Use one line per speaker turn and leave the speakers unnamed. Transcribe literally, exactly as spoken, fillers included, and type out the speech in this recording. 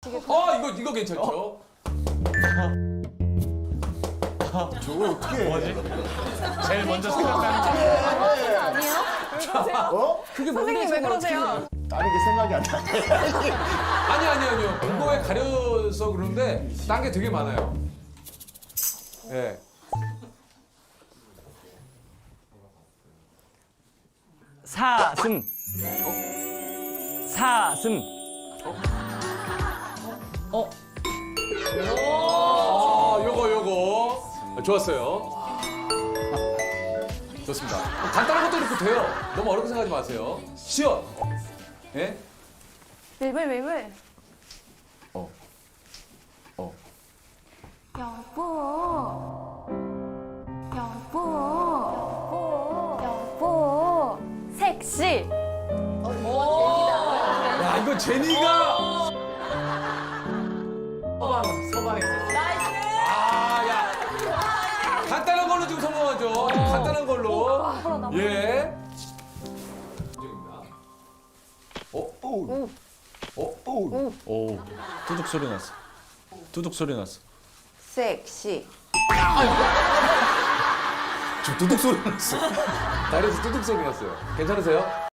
어, 이거, 이거 괜찮죠?
저거 어떻게 해?
제일 먼저 생각나는 게
아니에요?
어?
그게
선생님 왜 그러세요?
다른 게 생각이 안 나.
아니, 아니, 아니요. 그거에 가려서 그러는데, 딴 게 되게 많아요. 예.
사슴. 사슴.
어? 아, 요거, 요거. 아, 좋았어요. 좋습니다. 간단한 것도 이렇게 돼요. 너무 어렵게 생각하지 마세요. 시연. 예?
웨이블
어. 어.
여보 여보 여보 섹시
야, 이거 제니가. 아, 야. 간단한 걸로 지금 성공하죠. 간단한 걸로. 예. 어?
오.
어?
오.
오 뚜둑 소리 났어. 뚜둑 소리 났어.
섹시.
저 두둑 소리 났어. 다리에서 두둑 소리 났어요. 괜찮으세요?